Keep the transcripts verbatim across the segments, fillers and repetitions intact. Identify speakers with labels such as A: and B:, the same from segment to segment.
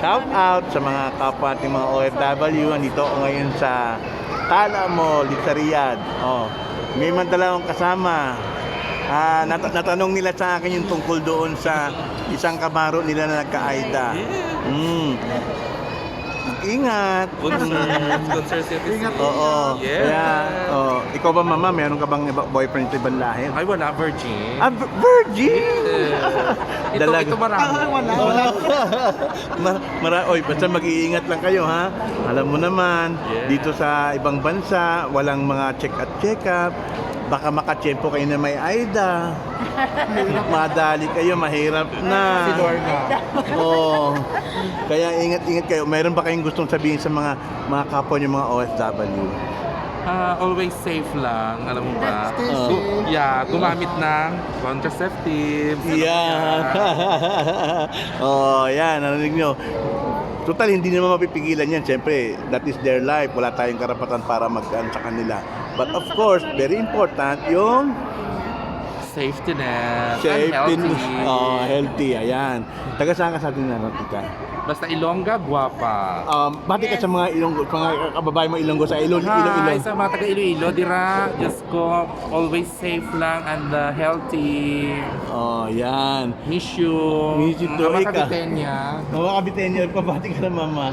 A: shout out sa mga kapwa ating mga O F W. Andito ako ngayon sa Tala Mall, sa Riyadh. Oh, may man dalawang kasama. Ah, nat- natanong nila sa akin yung tungkol doon sa isang kabaro nila na nagka-AIDA. Mm. Ingat.
B: Concert, concert citizen.
A: Oo.
B: Yeah.
A: Kaya, oh, ikaw ba mama, meron ka bang iba- boyfriend sa ibang lahi?
B: Ay, wala, virgin.
A: Ah, v- virgin!
B: Yeah. Ito,
A: Dalaga.
B: ito marami.
A: wala, wala. Mar- mara- Oy, basta mag-iingat lang kayo, ha? Alam mo naman,
B: Yeah.
A: dito sa ibang bansa, walang mga check at check up. Baka makatsyempo kayo na may AIDA. Madali kayo, mahirap na.
B: Si Lorna.
A: Oo. Kaya ingat-ingat kayo. Meron ba kayong gustong sabihin sa mga mga kapwa niyo mga O F W?
B: Ah, always safe lang, alam mo ba?
A: Stay
B: Gu-
A: safe.
B: Yeah, gumamit ng contraceptives.
A: Yan. Oh, yan. Narinig nyo. Total, hindi naman mapipigilan yan. Siyempre, that is their life. Wala tayong karapatan para mag-ano sa kanila. But of course, very important yung
B: Safety net.
A: safety.
B: And healthy.
A: Oh, healthy. Ayan. Taga saan ka sa atin na ka?
B: Basta Ilongga, guwapa.
A: Um, bati ka sa mga Ilonggo, mga kababae mo Ilonggo sa Ilong, Ilong,
B: Hi,
A: Ilong.
B: sa mga taga Iloilo, dira, Diyos ko, always safe lang and uh, healthy.
A: Oh, yan.
B: Miss you.
A: Miss you too,
B: Mga
A: ika.
B: Kabitenya.
A: Mga kabitenyo, pabati ka na mama.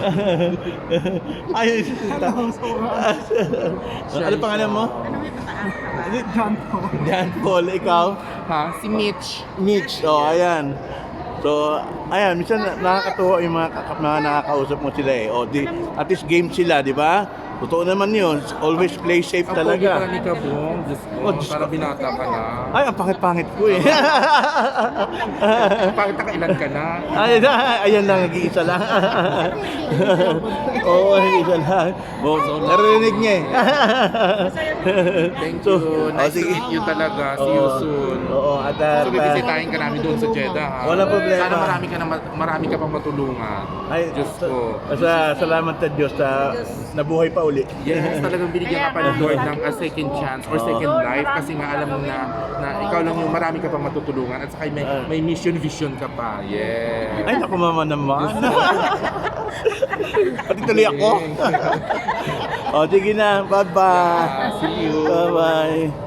A: Ay, ano pangalan mo?
C: John Paul.
A: John Paul, ikaw?
B: Ha? Si Mitch.
A: Mitch, oh, ayan. So, ayan, minsan na- nakakatuwa yung mga, kaka- mga nakakausap mo sila eh. O, di, at least game sila, di ba? Totoo naman yun. Always play safe
B: Ang pogi pala
A: talaga.
B: ni Kabong. Diyos ko,
A: Oh, Diyos
B: para
A: ko.
B: binata ka na.
A: Ay, ang pangit-pangit ko eh.
B: Bakit nakailan ka na?
A: Ay, ayan lang, nag-iisa lang. Oo, nag-iisa lang. Oh, narinig niya eh.
B: Thank
A: So,
B: you.
A: oh,
B: Nice to
A: sige.
B: meet you talaga. See you
A: Oo.
B: soon.
A: Oo, at uh,
B: So, bibisitahin ka namin doon sa Jeddah. ha?
A: Walang problema.
B: Sana marami ka, na, marami ka pang matulungan.
A: ay,
B: Diyos ko.
A: Sa, salamat sa Diyos na nabuhay pa uli.
B: Yes, talagang binigyan ka pa ni Lord ng a second chance or second life kasi nga alam mo na, na ikaw lang yung marami ka pang matutulungan at saka may, may mission vision ka pa. Yeah.
A: Ay, naku mama naman. Pati tuloy ako. O, sige na. Bye-bye.
B: Yeah, see you.
A: Bye-bye.